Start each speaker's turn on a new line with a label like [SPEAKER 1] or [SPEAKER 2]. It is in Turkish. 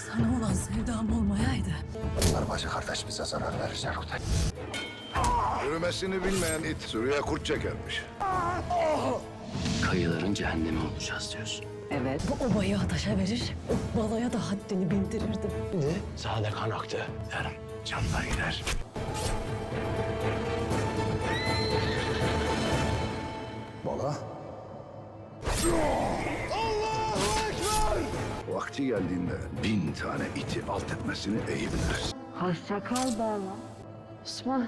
[SPEAKER 1] Sana olan sevdam olmayaydı.
[SPEAKER 2] Arabacı kardeş bize zarar verecek Rutay.
[SPEAKER 3] Yürümesini bilmeyen it sürüye kurt çekermiş.
[SPEAKER 4] Kayıların cehennemi olacağız diyorsun.
[SPEAKER 1] Evet. Bu obayı ateşe verir, o balaya da haddini bildirirdim.
[SPEAKER 4] Sade kan aktı. Yarın canlar gider.
[SPEAKER 2] Bala.
[SPEAKER 3] Vakti geldiğinde 1000 tane iti alt etmesini iyi biliriz.
[SPEAKER 1] Hoşça kal bala. Osman.